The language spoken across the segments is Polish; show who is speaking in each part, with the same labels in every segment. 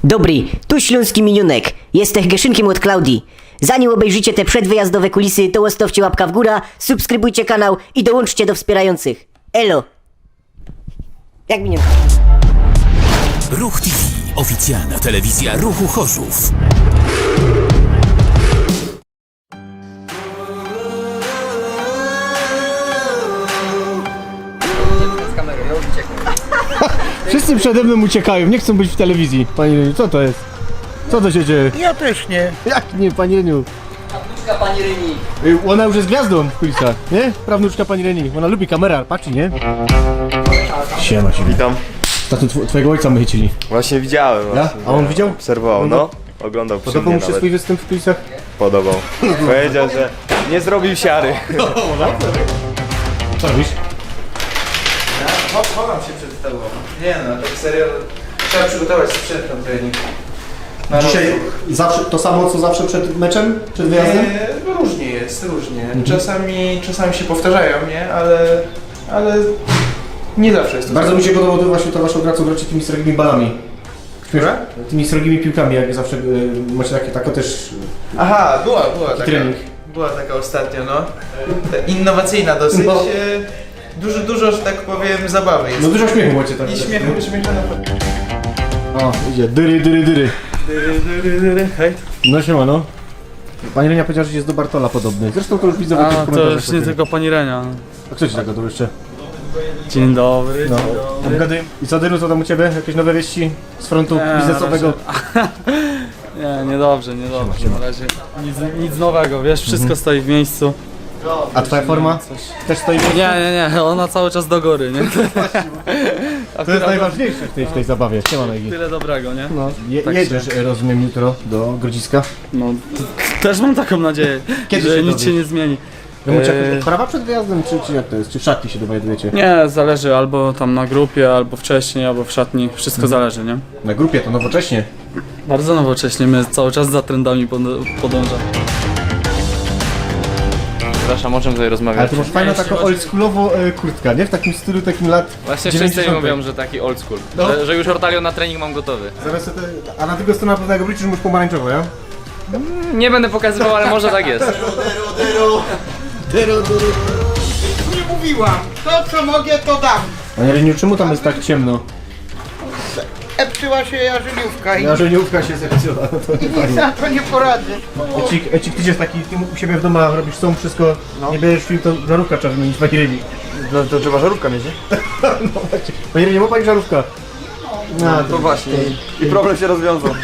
Speaker 1: Dobry, tu śląski minionek. Jestem Geszynkiem od Klaudii. Zanim obejrzycie te przedwyjazdowe kulisy, to łostowcie łapka w górę, subskrybujcie kanał i dołączcie do wspierających. Elo! Jak minionka?
Speaker 2: Ruch TV. Oficjalna telewizja Ruchu Chorzów.
Speaker 3: Wszyscy przede mną uciekają, nie chcą być w telewizji. Panie Reniu, co to jest? Co to się dzieje?
Speaker 4: Ja też nie.
Speaker 3: Jak nie, panie Reniu?
Speaker 1: Prawnuczka pani Reni.
Speaker 3: Ona już jest gwiazdą w kulisach, nie? Prawnuczka pani Reni. Ona lubi kamerę, patrzy, nie? Siema się.
Speaker 5: Witam.
Speaker 3: Tatu, twojego ojca my chycili.
Speaker 5: Właśnie widziałem.
Speaker 3: Ja?
Speaker 5: Właśnie,
Speaker 3: A on widział?
Speaker 5: Obserwował, no. Oglądał przy
Speaker 3: Podobał
Speaker 5: mnie
Speaker 3: mu się
Speaker 5: nawet.
Speaker 3: swój występ w kulisach?
Speaker 5: Podobał. Powiedział, że nie zrobił siary.
Speaker 3: Co robisz?
Speaker 4: Chowam się przed tobą. Nie no, tak serio. Trzeba przygotować sprzęt na trening.
Speaker 3: Dzisiaj zawsze to samo co zawsze przed meczem? Przed wyjazdem?
Speaker 4: Różnie jest, różnie. Czasami się powtarzają, nie? Ale nie zawsze jest to
Speaker 3: Bardzo
Speaker 4: samo.
Speaker 3: mi się podobało to właśnie ta wasza gra, co gracie tymi srogimi balami.
Speaker 4: Która?
Speaker 3: Tymi srogimi piłkami, jak zawsze macie tako też
Speaker 4: Aha, była taka.
Speaker 3: trening.
Speaker 4: Była taka ostatnio, no. Innowacyjna dosyć.
Speaker 3: No.
Speaker 4: Dużo, że tak powiem, zabawy jest.
Speaker 3: No dużo śmiechu macie tam.
Speaker 4: I śmiechu na pewno.
Speaker 3: O, idzie, dyry.
Speaker 4: Hej.
Speaker 3: No siema, no. Pani Renia powiedziała, że jest do Bartola podobny. Zresztą to już widzę w jakichś
Speaker 6: A, to
Speaker 3: komentarzach.
Speaker 6: już nie tylko pani Renia.
Speaker 3: A kto ci tak gadał jeszcze?
Speaker 6: Dzień dobry.
Speaker 3: No.
Speaker 6: Dzień dobry.
Speaker 3: Obgaduję. I co, Dyru, co tam u ciebie? Jakieś nowe wieści z frontu biznesowego?
Speaker 6: Nie, niedobrze. Na razie nic nowego, wiesz, wszystko stoi w miejscu.
Speaker 3: A twoja forma? Też stoi w miejscu?
Speaker 6: Nie, ona cały czas do góry, nie?
Speaker 3: To jest najważniejsze w tej zabawie. Siema, Negi.
Speaker 6: Tyle dobrego, nie?
Speaker 3: No.
Speaker 6: Tak
Speaker 3: Jedziesz, rozumiem, jutro do Grodziska.
Speaker 6: No, też mam taką nadzieję,
Speaker 3: Kiedy
Speaker 6: że
Speaker 3: się
Speaker 6: nic
Speaker 3: dowiesz?
Speaker 6: się nie zmieni.
Speaker 3: Wy macie jakąś odprawę przed wyjazdem, czy jak to jest? Czy w szatni się dowiadujecie?
Speaker 6: Nie, zależy albo tam na grupie, albo wcześniej, albo w szatni, wszystko zależy, nie?
Speaker 3: Na grupie to nowocześnie.
Speaker 6: Bardzo nowocześnie, my cały czas za trendami podążamy.
Speaker 7: Przepraszam, o czym tutaj
Speaker 3: Ale
Speaker 7: rozmawiać?
Speaker 3: ty masz fajną taką oldschoolową kurtkę, nie? W takim stylu, takim lat
Speaker 7: Właśnie wszyscy
Speaker 3: 90.
Speaker 7: mi mówią, że taki old school.
Speaker 3: No.
Speaker 7: Że już ortalion na trening mam gotowy.
Speaker 3: Zaraz a na tego stronę pewnego wrócisz już pomarańczowo, ja?
Speaker 7: Nie będę pokazywał, ale może tak jest.
Speaker 4: Nie mówiłam. To co mogę, to dam.
Speaker 3: Panie Reniu, czemu tam jest tak ciemno?
Speaker 4: Epsyła się jarzeniówka i
Speaker 3: Jarzeniówka się zepsuła, no to nie
Speaker 4: nic
Speaker 3: fajnie.
Speaker 4: na to nie poradzę.
Speaker 3: Ecik, ty jest taki, ty u siebie w domu robisz są wszystko, nie bierzesz film, to żarówka trzeba wymienić, Pani Reni.
Speaker 5: No to trzeba żarówka mieć, nie?
Speaker 3: No właśnie. Pani Reni, ma Pani żarówka? No,
Speaker 5: To właśnie. I problem się rozwiązał.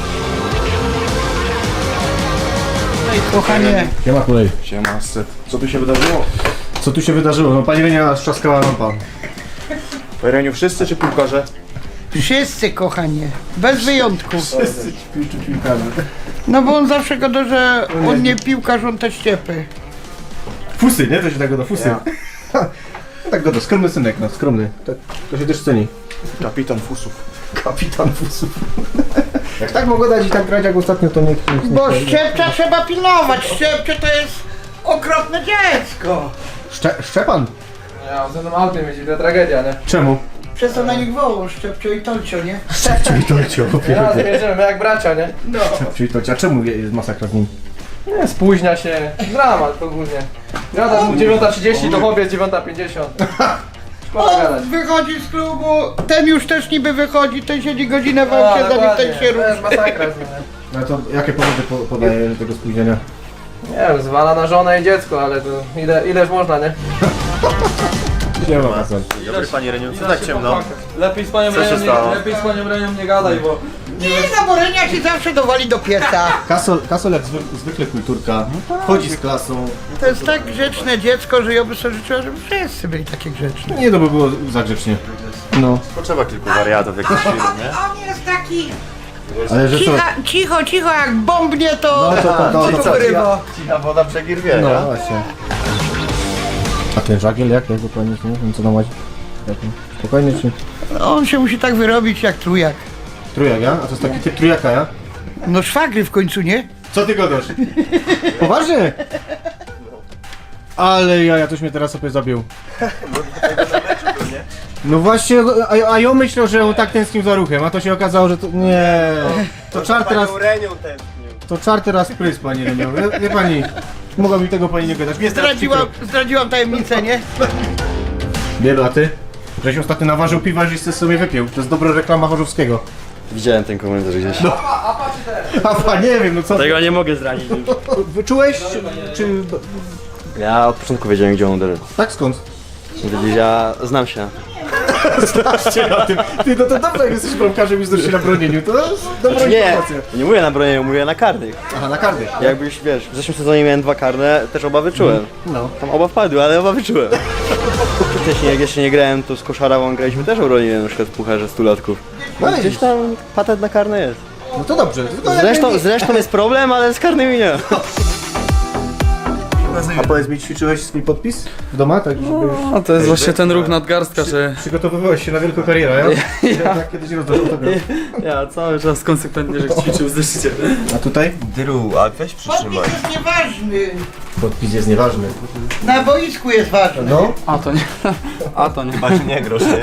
Speaker 4: Kochanie,
Speaker 3: Siema kolej.
Speaker 5: Siema, Seth. Co tu się wydarzyło?
Speaker 3: Co tu się wydarzyło? No Pani Renia strzaskała lampa.
Speaker 5: Reniu, wszyscy czy piłkarze?
Speaker 4: wszyscy kochanie, bez wyjątku.
Speaker 3: Wszyscy piłkarze.
Speaker 4: No bo on zawsze gada, że on nie piłkarz, on te ściepy.
Speaker 3: Fusy, nie? To się tak go do fusy. Tak go do, skromny synek, no skromny. Tak, to się też ceni.
Speaker 5: Kapitan Fusów.
Speaker 3: Kapitan fusów. Jak tak mogę dać i tak grać jak ostatnio, to niech
Speaker 4: Bo Szczepcia trzeba pilnować, Szczepcie to jest okropne dziecko.
Speaker 3: Szczepan?
Speaker 8: Ja, ze mną autem jeździ, to tragedia, nie?
Speaker 3: Czemu?
Speaker 4: Przez to na nich wołą, Szczepcio i Tolcio, nie?
Speaker 3: Czyli to cię
Speaker 8: Razem jedziemy, my jak bracia, nie?
Speaker 3: Czyli to, a czemu jest masakra z nim?
Speaker 8: Nie, spóźnia się, dramat ogólnie. Gada mu 9:30, to chłopiec 9:50. Szkoda gadać.
Speaker 4: On wychodzi z klubu, ten już też niby wychodzi, ten siedzi godzinę w aucie, zanim ten się
Speaker 8: to jest
Speaker 4: ruszy.
Speaker 8: masakra z nim, nie?
Speaker 3: No to jakie powody podaje tego spóźnienia?
Speaker 8: Nie wiem, zwala na żonę i dziecko, ale to ileż można, nie?
Speaker 3: Nie ma Hasan.
Speaker 5: Dobry, Panie Reniu, co tak ciemno?
Speaker 8: Lepiej z panią
Speaker 5: Co się
Speaker 8: Renią
Speaker 5: stało?
Speaker 8: lepiej z panią Renią nie gadaj, bo...
Speaker 4: Nie, zaborenia się zawsze dowali do pieca.
Speaker 3: Kasol jak zwykle kulturka, chodzi z klasą.
Speaker 4: To jest tak grzeczne dziecko, że ja bym sobie życzyła, żeby wszyscy byli takie grzeczne.
Speaker 3: Nie, to by było za grzecznie. No,
Speaker 5: Potrzeba kilku wariatów jakichś film, nie?
Speaker 4: On jest taki
Speaker 3: ale że co?
Speaker 4: cicho, jak bombnie to
Speaker 3: to
Speaker 4: wyrywa.
Speaker 5: Cicha woda brzegi rwie,
Speaker 3: No
Speaker 5: nie?
Speaker 3: właśnie. A ten żagiel jak? Jak go pani nie wiem co tam macie? Spokojnie czy?
Speaker 4: On się musi tak wyrobić jak trójak.
Speaker 3: Trójak, ja? A to jest taki typ trójaka, ja?
Speaker 4: No szwagry w końcu, nie?
Speaker 3: Co ty gadasz? Poważnie? Ale ja toś mnie teraz sobie zabił. No właśnie, a ja myślał, że on tak tęsknił za ruchem, a to się okazało, że to... Nie. To czarty raz... To czarty raz prys, pani Renią. Wie pani, mogła mi tego pani nie gadać. Nie
Speaker 9: Zdradziłam tajemnicę, nie?
Speaker 3: Bielu, a ty? Żeś ostatnio naważył piwa, żeś sobie wypił. To jest dobra reklama Chorzowskiego.
Speaker 5: Widziałem ten komentarz gdzieś.
Speaker 3: A nie wiem, no co...
Speaker 5: Tego nie mogę zranić już.
Speaker 3: Wyczułeś? Czy...
Speaker 5: Ja od początku wiedziałem, gdzie on uderzy.
Speaker 3: Tak, skąd?
Speaker 5: Ja znam się.
Speaker 3: Znacie na tym. Ty, no to dobrze, jak jesteś bramkarzem i znasz się na bronieniu, to jest dobra
Speaker 5: Nie,
Speaker 3: informacja.
Speaker 5: nie mówię na bronieniu, mówię na karnych.
Speaker 3: Aha, na karny.
Speaker 5: Jakbyś, wiesz, w zeszłym sezonie miałem 2 karne, też oba wyczułem.
Speaker 3: No.
Speaker 5: Tam oba wpadły, ale oba wyczułem. Wcześniej, jak jeszcze nie grałem, to z Koszarawą graliśmy też obroniłem na przykład w pucharze 100-latków.
Speaker 3: No
Speaker 5: Gdzieś tam patent na karne jest.
Speaker 3: No to dobrze. Tylko jak
Speaker 5: Zresztą jest problem, ale z karnymi nie.
Speaker 3: A powiedz mi, ćwiczyłeś swój podpis w domu? Tak, żeby...
Speaker 6: No to jest właśnie ten ruch nadgarstka, że
Speaker 3: Przygotowywałeś się na wielką karierę, ja? Tak kiedyś rozdasz autograf.
Speaker 6: ja cały czas konsekwentnie, że ćwiczył w zeszycie.
Speaker 3: A tutaj?
Speaker 5: Dyru, a weź
Speaker 9: Podpis jest nieważny.
Speaker 3: Podpis jest nieważny.
Speaker 9: Na boisku jest ważny.
Speaker 3: No.
Speaker 6: A to nie, a to nie.
Speaker 5: nie grosz, nie?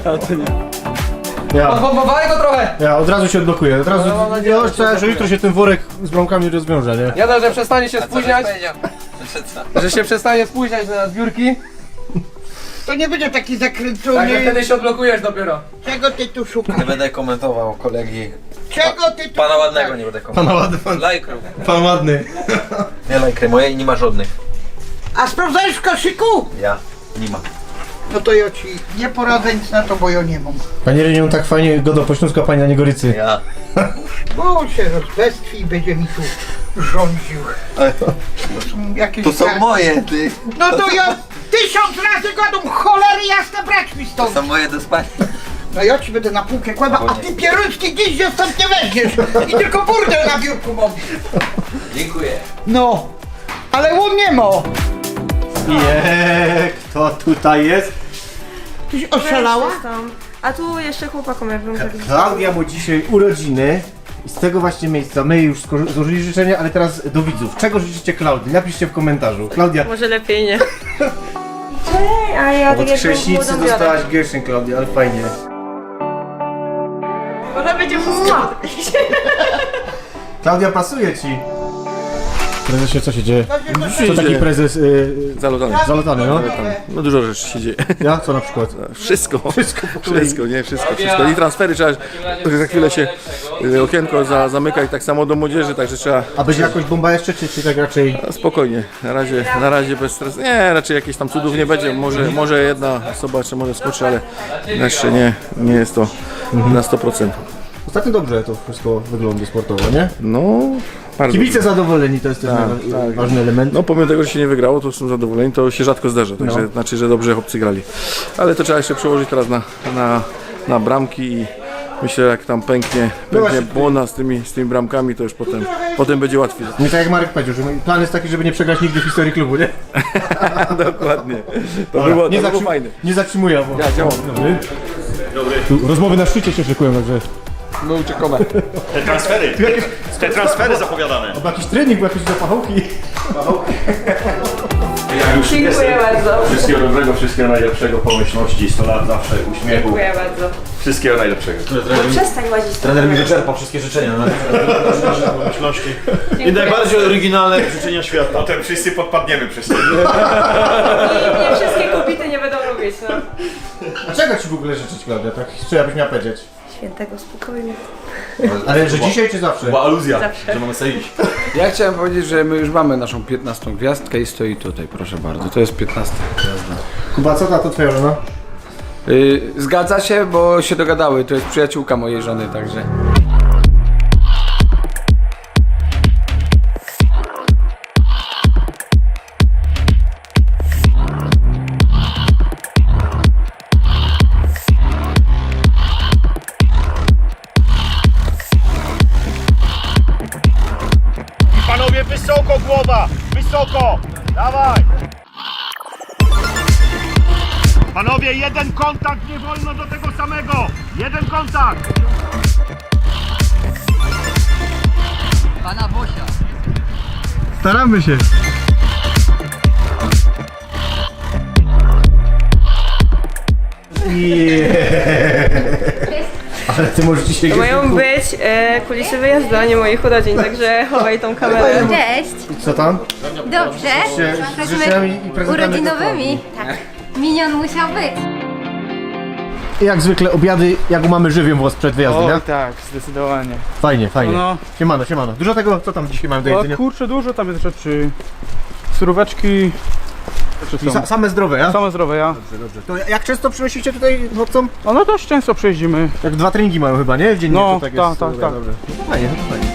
Speaker 8: Odbombowali go trochę!
Speaker 3: Ja od razu się odblokuję, od razu...
Speaker 8: No, mam nadzieję,
Speaker 3: Ja chcę, że jutro się ten worek z bramkami rozwiąże, nie?
Speaker 8: Jeden, że przestanie się spóźniać. Że się przestanie spóźniać na zbiórki.
Speaker 9: To nie będzie taki
Speaker 8: Także
Speaker 9: zakręcony.
Speaker 8: wtedy się odblokujesz dopiero.
Speaker 9: Czego ty tu szukasz?
Speaker 10: Nie będę komentował kolegi.
Speaker 9: Czego ty tu
Speaker 10: Pana ładnego
Speaker 9: szukasz?
Speaker 10: nie będę komentował.
Speaker 3: Pan ładny, pan,
Speaker 10: Lajkru.
Speaker 3: pan ładny.
Speaker 10: Nie lajkry moje i nie ma żadnych.
Speaker 9: A sprawdzałeś w koszyku?
Speaker 10: Ja. Nie ma.
Speaker 9: No to ja ci nie poradzę nic na to, bo ja nie mam.
Speaker 3: Panie Renią, tak fajnie go do Pośląska, pani na Niegorycy.
Speaker 10: Ja.
Speaker 9: Bo on się rozbestwi i będzie mi tu rządził. To są jakieś...
Speaker 10: To są moje, ty.
Speaker 9: No to ja 1000 razy gadam, cholery jasne, brać mi
Speaker 10: To
Speaker 9: stąd.
Speaker 10: są moje do spania.
Speaker 9: No ja ci będę na półkę kładał, a ty pieruński dziś się stąd nie weźmiesz. I tylko burdel na biurku mam.
Speaker 10: Dziękuję.
Speaker 9: No, ale u mnie ma.
Speaker 3: Nie, kto tutaj jest?
Speaker 9: Tyś oszalała?
Speaker 11: A tu jeszcze chłopakom jakbym tak...
Speaker 3: Klaudia ma dzisiaj urodziny i z tego właśnie miejsca my już złożyli życzenia, ale teraz do widzów. Czego życzycie Klaudii? Napiszcie w komentarzu. Klaudia,
Speaker 11: Może lepiej nie. A ja tak
Speaker 3: od
Speaker 11: jakbym
Speaker 3: chrześcinicy
Speaker 11: młodą
Speaker 3: dostałaś Gershyn, Klaudia, ale fajnie.
Speaker 11: Ona będzie wszystko.
Speaker 3: Klaudia, pasuje ci. Prezesie, co się dzieje? Co taki prezes
Speaker 6: Zalotany.
Speaker 3: zalotany, no?
Speaker 6: No dużo rzeczy się dzieje.
Speaker 3: Ja? Co na przykład?
Speaker 6: Wszystko.
Speaker 3: Wszystko po kolei.
Speaker 6: Wszystko. I transfery trzeba, za chwilę się okienko zamyka i tak samo do młodzieży, także trzeba
Speaker 3: A będzie jakoś bomba jeszcze, czy tak raczej?
Speaker 6: spokojnie. Na razie bez stresu. Nie, raczej jakichś tam cudów nie będzie. Może jedna osoba jeszcze może skoczy, ale jeszcze nie jest to na 100%.
Speaker 3: Ostatnio dobrze to wszystko wygląda sportowo, nie?
Speaker 6: No, bardzo.
Speaker 3: Kibice zadowoleni, to jest też ważny element.
Speaker 6: No pomimo tego, że się nie wygrało, to są zadowoleni, to się rzadko zdarza, także znaczy, że dobrze chłopcy grali. Ale to trzeba jeszcze przełożyć teraz na bramki i myślę, jak tam pęknie błona z tymi bramkami, to już potem będzie łatwiej.
Speaker 3: Nie tak jak Marek powiedział, że plan jest taki, żeby nie przegrać nigdy w historii klubu, nie?
Speaker 6: Dokładnie. To
Speaker 3: Dobra,
Speaker 6: było fajne.
Speaker 3: Nie zatrzymuję, bo...
Speaker 6: Ja działam.
Speaker 3: Dobry. Tu rozmowy na szczycie się szykują, także...
Speaker 8: My uciekamy.
Speaker 5: Te transfery zapowiadane.
Speaker 3: Chyba jakiś trening, bo jakieś zapachołki.
Speaker 11: Dziękuję bardzo.
Speaker 5: Wszystkiego dobrego, wszystkiego najlepszego, pomyślności, 100 lat zawsze, uśmiechu.
Speaker 11: Dziękuję bardzo.
Speaker 5: Wszystkiego najlepszego.
Speaker 11: Przestań łazić.
Speaker 10: Trener mi wyczerpał wszystkie życzenia.
Speaker 5: Pomyślności. I najbardziej oryginalne życzenia świata. Potem wszyscy podpadniemy przez to.
Speaker 11: Nie wszystkie kobiety nie będą lubić, no.
Speaker 3: A czego ci w ogóle życzyć, Klaudia? Tak, co ja byś miała powiedzieć?
Speaker 11: Świętego spokoju.
Speaker 3: Ale że dzisiaj czy zawsze?
Speaker 5: Była aluzja,
Speaker 11: Zawsze.
Speaker 5: że mamy sobie iść.
Speaker 6: Ja chciałem powiedzieć, że my już mamy naszą 15 gwiazdkę i stoi tutaj, proszę bardzo. To jest 15 gwiazda.
Speaker 3: Kuba, co to twoja żona?
Speaker 6: Zgadza się, bo się dogadały. To jest przyjaciółka mojej żony, także.
Speaker 5: Panowie, wysoko głowa! Wysoko! Dawaj! Panowie, jeden kontakt, nie wolno do tego samego! Jeden kontakt!
Speaker 3: Staramy się. I Ale ty możesz dzisiaj...
Speaker 11: To mają być kulisy wyjazdu, a nie moich urodzin, także chowaj tą kamerę.
Speaker 12: Cześć,
Speaker 3: Co tam?
Speaker 12: dobrze.
Speaker 3: Z życzeniami i prezentami.
Speaker 12: Urodzinowymi. Tak. Minion musiał być.
Speaker 3: Jak zwykle obiady, jak mamy żywią włos przed wyjazdem, nie?
Speaker 8: tak, zdecydowanie.
Speaker 3: Fajnie, fajnie.
Speaker 8: No.
Speaker 3: Siemano, siemano. Dużo tego, co tam dzisiaj mamy do jedzenia?
Speaker 8: Kurczę, dużo tam jest rzeczy. Suróweczki.
Speaker 3: Same zdrowe, ja?
Speaker 8: Same zdrowe, ja.
Speaker 3: Dobrze. To jak często przynosicie tutaj chłopcom?
Speaker 8: No dość często przejeździmy.
Speaker 3: Jak 2 treningi mają chyba, nie? Dziennie
Speaker 8: No,
Speaker 3: to tak
Speaker 8: tak,
Speaker 3: jest.
Speaker 8: tak,
Speaker 3: Dobra,
Speaker 8: tak.
Speaker 3: dobrze. No to fajnie, no to fajnie.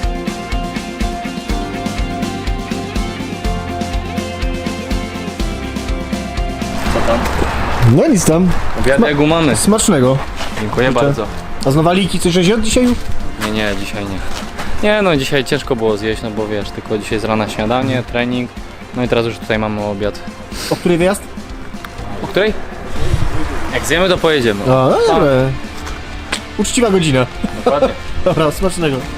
Speaker 3: No nic tam.
Speaker 7: Obiad jak u mamy.
Speaker 3: Smacznego.
Speaker 7: Dziękuję bardzo.
Speaker 3: A z nowaliki coś żeś jadł dzisiaj?
Speaker 7: Nie, dzisiaj nie. Nie no, dzisiaj ciężko było zjeść, no bo wiesz, tylko dzisiaj z rana śniadanie, trening. No i teraz już tutaj mamy obiad.
Speaker 3: O której wyjazd?
Speaker 7: O której? Jak zjemy, to pojedziemy.
Speaker 3: A, no dobra. Uczciwa godzina.
Speaker 7: Dokładnie.
Speaker 3: Dobra, smacznego.